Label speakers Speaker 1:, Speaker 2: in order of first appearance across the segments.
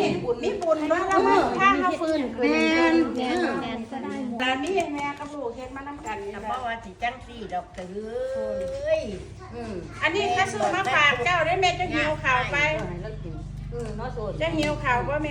Speaker 1: มีบุญว่าแล้วมันถ้าเขาฟื้นคืน
Speaker 2: แม่น
Speaker 1: แต่มีแม่กับลูกเฮ็ดมานํกันนี่
Speaker 3: เพราะว่าสิจังซี่ดอกเอ้ย
Speaker 1: อันนี้ก็ซื้อมาฝากเจ้าได้แม่จะหิวข้าวไป
Speaker 2: น้อโซน
Speaker 1: จะหิวข้าวบ่แม่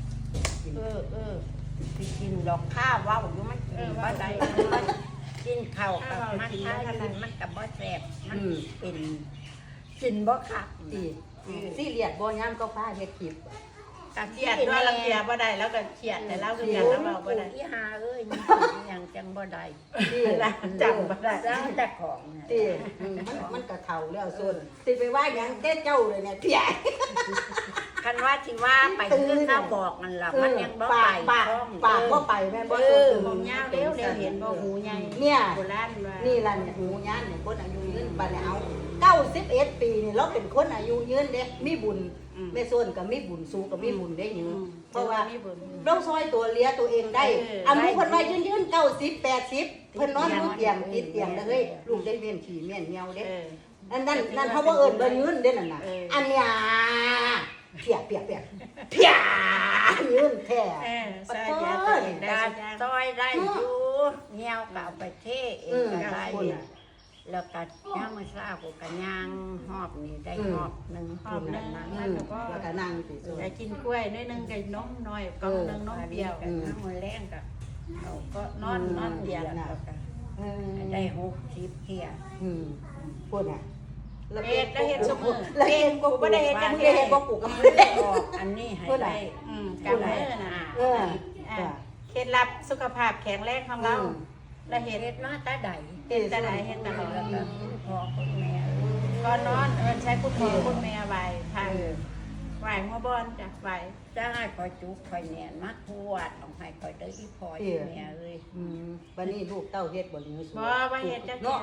Speaker 3: สิกินดอกข้าวว้าวอยู่มันกินบ่ได้กินข้าวกับมันถ้ากินมันก็บ่แซ่บมันเป็นกินบ่คัก
Speaker 2: สิเลียดบ่ยามก็ฟ้าเฮ็ดคลิป
Speaker 1: กะเครียดด้วยลังเกียจบ่ได้แล้วก็เครียดแต่เราคือกันแล้วเว้าบ่ได้
Speaker 3: ที่หาเอ้ยมันยังจังบ่ได้
Speaker 1: จังบ่ได้
Speaker 3: จ้าแต่ของ
Speaker 2: ติมันก็เฒ่าแล้วโซนสิไปว่าหยังเต้เจ้าเลยเนี่ยเตี้ย
Speaker 3: คันว่าสิว่าไปคือข้าวบอกนั่นล่ะมันยังบ่ไป
Speaker 2: ปากบ่ไปแม่บ่
Speaker 1: มองยาวเร็วเห็นบ่หูใหญ่
Speaker 2: เนี่ย
Speaker 1: โบราณว่า
Speaker 2: นี่ล่ะเนี่ยหูยานเนี่ยคนอายุยืนบัดนี้เอา91ปีนี่เราเป็นคนอายุยืนเด้มีบุญแม่โซนก็มีบุญสูก็มีบุญได้ยืนเพราะว่า
Speaker 1: มีบุญ
Speaker 2: เราซอยตัวเลี้ยตัวเองได้อันนู้นเพิ่นว่ายืน90 80เพิ่นนอนอยู่เตียงติดเตียงเด้อเฮ้ยลูกได้เวียนฉี่เมียนเหี่ยวเด้นั่นเขาบ่เอิ้นบ่ยืนเด้นั่นน่ะอันเนี้ยเปียเยืนแท้
Speaker 1: ใส่ยาตัวเองได้
Speaker 3: ได้ซอยได้อยู่เงี้ยวก็เอาไปเทเองก็ได้แล้วก็ย่างมื้อเช้าก็กันย่างหอบนี่ได้หอบนึง
Speaker 1: หอบนึง
Speaker 2: แล้วก็นั่งสิ
Speaker 1: ได้กินกล้วยน้อยนึงกับนมน้อยกล่องนึงนมเปรี้ยว
Speaker 3: กันน้ำมื้อแรงก็เอาก็นอนเดียวแล้วก็ได้60เที่ย
Speaker 2: พูดน่ะ
Speaker 1: เฮ็ดแล้วเฮ็ดซุมื้อ
Speaker 2: แล้วเฮ็ดก็บ่ได้เฮ็ดจังซี่เฮ็ดบ่ปลูกกับมือ
Speaker 3: อันนี้ให้ได้
Speaker 1: กับมื้อน่ะเคล็ดลับสุขภาพแข็งแรงของเราแล้วเฮ็ด
Speaker 3: เฮ็ดมาแต่ใด
Speaker 1: เฮ็ดแต่ไหนเฮ็ดตลอด
Speaker 3: แล้วก็พ่อคุณแม่
Speaker 1: ก่อนนอนใช้พุทโธคุณแม่ไหว้ทางไหว้หัวบอนจ้ะไหว้
Speaker 3: จะให้คอยจุกคอยแหนนมาทวดต้องให้คอยได้อีพอยแม่เอ้ย
Speaker 2: บัดนี้ลูกเต้าเฮ็ดบ่เหลือสู
Speaker 1: บ่ว่าเฮ็ดจัง
Speaker 2: เนาะ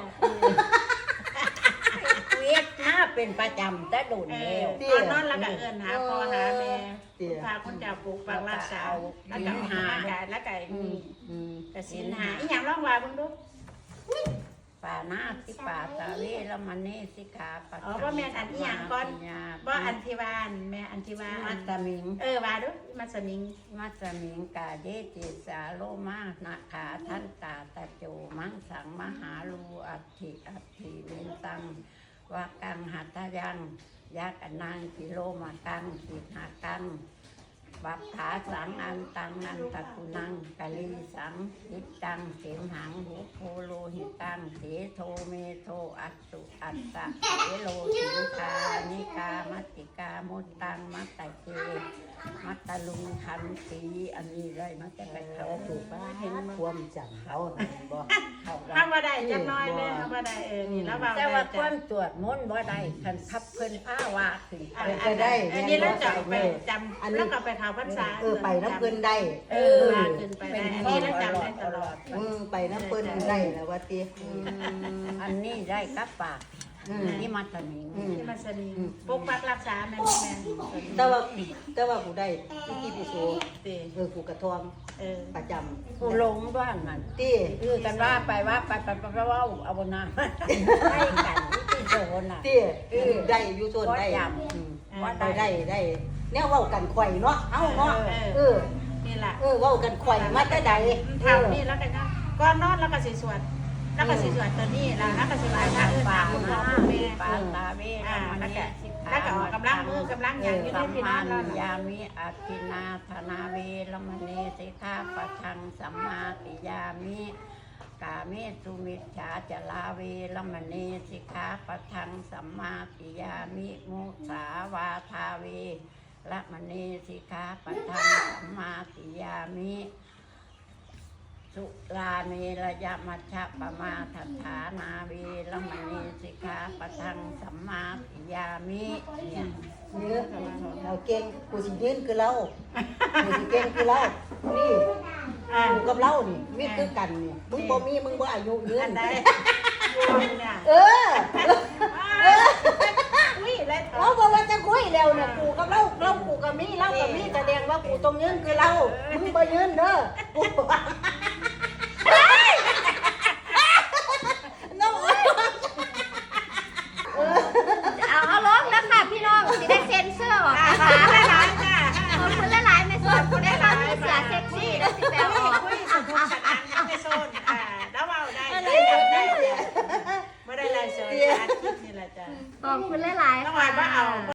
Speaker 3: เวียดมาเป็นประจำแต่โดนแล้ว
Speaker 1: ก่อนนอนแล้วก็เอิ้นหาพ่อหาแม่พาคนเจ้าปลูกฝังรักษาแล้วก็หากายแล้วก็แต่ศีลหาอีหยังลองว่าเบิ่งดู
Speaker 3: ป่าหน้าสิป่าตาเวแล้วมันนี่สิขาปัด
Speaker 1: บ่แม่นอันอีหยังก่อนบ่อันที่ว่าแม่อันที่ว่า
Speaker 3: มัตตมิง
Speaker 1: ว่าดูมัสมิง
Speaker 3: มัตตมิงกาเยติสาโลมานาขาทันตาตะโจมังสังมหาลูอัตถิเวนตังวากังหัตถยังยากันนางกิโลมากังกิหากังบัพถาสังอันตังนันตะกุนังกะลีสังหิตังเสมหังหุโพโลหิตังเสโทเมโทอัตตุอัตตะเสโลสิงคานิกามัตติกามุตตังมัตตะเกมัตตะลุงคันตีอันนี้เลยมันจะเป็นเขาถูกป่ะ
Speaker 2: เห็นความจำเขาบ่
Speaker 1: ถ้าบ่ได้จักน้อยแม่ถ้าบ่ได้นี่แล้วว่า
Speaker 3: แต่ว่าความตรวจมนต์บ่ได้คันพับเพิ่นผ้าว่าขึ้นไป
Speaker 1: อันนี้เราจะไปจำแล้วก็ไปเข้าพรรษา
Speaker 2: ไปน้ำเพิ่นได้
Speaker 1: มาขึ้นไปได้อันนี้เราจำได้ตลอด
Speaker 2: ไปน้ำเพิ่นได้แล้วว่าติ
Speaker 3: อันนี้ได้กับปากนี่มัตตมิง
Speaker 1: ที่มันสนิทปกปักรักษาแม่แม่
Speaker 2: แต่ว่ากูได้ที่พิโสกูกระทอมประจำ
Speaker 3: กูหลงบ้านมัน
Speaker 2: ติ
Speaker 3: คือกันว่าไปว่าไปว่าเอาบนน้ำให้กันที่โซนน่ะ
Speaker 2: ติได้อยู่โซนได้ว่าได้แนวเว้ากันข่อยเนาะเฮาเนาะ
Speaker 1: นี่แหละ
Speaker 2: เว้ากันข่อยมาแต่ใด
Speaker 1: ทำนี่แล้วกันนะก่อนนอนแล้วก็สิสวดแล้วก็สิสวดตัวนี้แล้วก็สิไหว้พระป่าคุณพ่อคุณแม่
Speaker 3: ปาตาเวมันนี่
Speaker 1: แล้วก็ออกกำลังมือกำลังอย่างอยู่ใน
Speaker 3: สัม
Speaker 1: ที่น
Speaker 3: มา
Speaker 1: อน
Speaker 3: ยามิอาทินาธนาเวรมณีสิกขาปะทังสัมมาติยามิกาเมสุมิจฉาจลาเวรมณีสิกขาปะทังสัมมาติยามิมุสาวาทาเวรมณีสิกขาปะทังสัมมาติยามิสุราเมรยมัชฌะปมาทัฏฐานาเวรมณีสิกขาปะทังสัมมาติยามิเนี่ย
Speaker 2: เนี่ยเราเก่งกูสิยืนคือเรากูสิเก่งคือเรานี่กูกับเรานี่มีคือกันนี่มึงบ่มีมึงบ่อายุยืน
Speaker 1: ได้เนี่ย อุ้ยแล้ว
Speaker 2: เราบอกว่าจะคุยแล้วเนี่ยกูกับเรากูกับมีเรากับมีแสดงว่ากูต้องยืนคือเรามึงบ่ยืนเด้อกูน้อง
Speaker 4: เอาร้องแล้วค่ะพี่น้องสิได้เซ็นเซอร์ออกนะคะ
Speaker 1: หลายจ้า
Speaker 4: ขอบคุณห
Speaker 1: อาทิตย์นี่แหละจ้ะ
Speaker 4: ขอบคุณหลายๆ
Speaker 1: ต้อง
Speaker 4: ค่ะ
Speaker 1: ว่าเอา